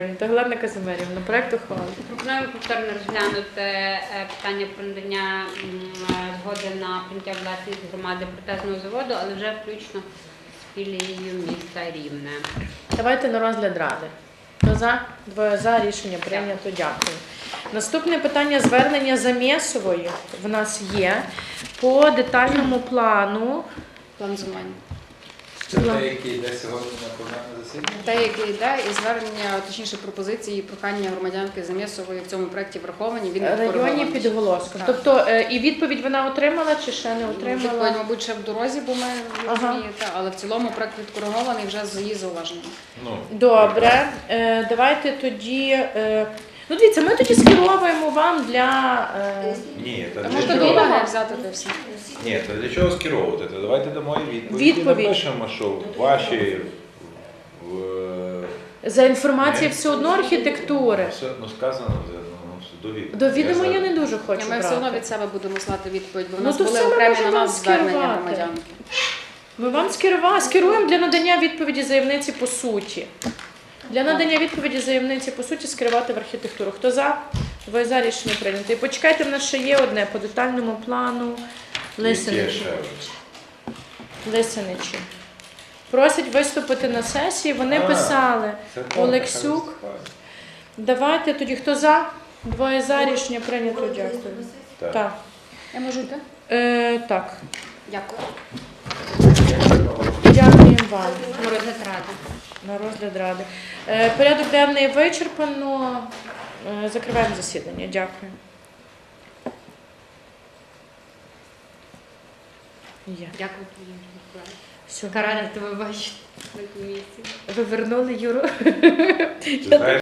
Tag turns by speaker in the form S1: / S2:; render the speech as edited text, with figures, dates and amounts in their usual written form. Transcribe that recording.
S1: Галина Казимирівна, проект ухвали.
S2: Пропонуємо повторно розглянути питання про надання згоди на прийняття власність громади протезного заводу, але вже включно з філією міста Рівне.
S1: Давайте на розгляд ради. Хто за? Двоє за. Рішення прийнято. Дякую. Наступне питання звернення Замєсової в нас є по детальному плану.
S3: План зумань.
S4: Це те, який йде сьогодні на пленарне засідання?
S3: Те, яке йде, і звернення, точніше пропозиції і прохання громадянки Замєсової в цьому проєкті враховані. Він
S1: В районі
S3: відкоригований.
S1: Підголоском.
S3: Так.
S1: Тобто і відповідь вона отримала чи ще не отримала?
S3: Відповідь, мабуть, ще в дорозі, бо ми розумієте, але в цілому проєкт відкоригований вже з її зауваженнями.
S1: Добре. Давайте тоді... Ну, дивіться, ми тоді скеровуємо вам для...
S4: Ні,
S3: Та
S4: для
S3: можна
S4: чого?
S3: відповідь взяти та все.
S4: Ні, то для чого скеровувати? То давайте дамо і відповідь.
S1: Відповідь.
S4: І напишемо, що ваші...
S1: За інформацією все одно архітектури.
S4: Все одно сказано, до відома.
S1: До відома я не дуже хочу
S3: Ми все одно
S1: брати.
S3: від себе будемо слати відповідь, бо в
S1: Ну,
S3: нас
S1: то
S3: були
S1: все ми
S3: окремі
S1: можемо
S3: на нас звернення
S1: скерувати.
S3: громадянки.
S1: Ми вам скеруємо для надання відповіді заявниці по суті. Для надання відповіді заявниці по суті скерувати в архітектуру. Хто за? Двоє за. Рішення прийнято. І почекайте, в нас ще є одне по детальному плану Лисиничі. Лисиничі. Просять виступити на сесії. Вони писали. Олексюк. Давайте тоді, хто за? Двоє за. Рішення прийнято. Дякую. Так.
S3: Я можу йти?
S1: Так.
S3: Дякую.
S1: Дякуємо вам.
S2: На розгляд ради.
S1: На розгляд ради. Порядок денний вичерпано. Закриваємо засідання. Дякую. Є.
S2: Дякую тобі.
S1: Все.
S2: Така рада тебе бачити на комісії.
S1: Ви вернули Юру?
S4: Ти знаєш,